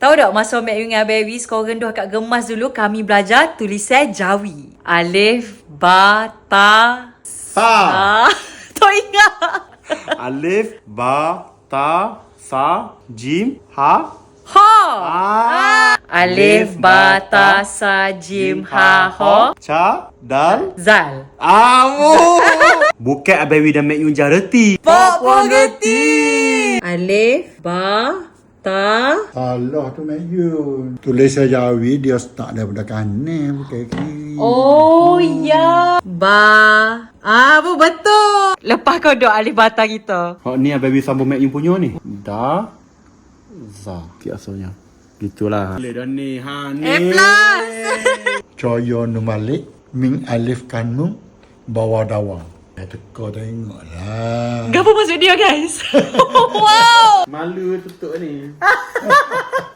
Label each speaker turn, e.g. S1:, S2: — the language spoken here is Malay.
S1: Tahu tak masa Mek Yu dengan Baby korang dua kat gemas dulu kami belajar tulisan Jawi. Alif, ba, ta, sa. Tak ingat.
S2: Alif, ba, ta, sa, jim, ha.
S1: Ha. Alif, ba, ta, sa, jim, ha, ho.
S2: Ca, dal,
S1: Zal.
S2: Bukan Abang Wi dan Mek Yun jareti.
S1: Pok gerti. Alif, ba, ta.
S3: Allah tu Mayun. Tulisan Jawi dia start daripada kanan bukan kiri.
S1: Oh ya. Ba. Betul. Lepas kau duk alif bata kita.
S2: Hak ni Abang Wi sambung Mek Yun punya ni. Da, za. Biasanya. Gitulah. Boleh dah ni. Ha ni.
S1: A+.
S3: Coyo nu Malik Ming Alif Kanung bawa dawa. Teka tengoklah.
S1: Apa maksud dia guys? Wow.
S2: Malu tutup ni.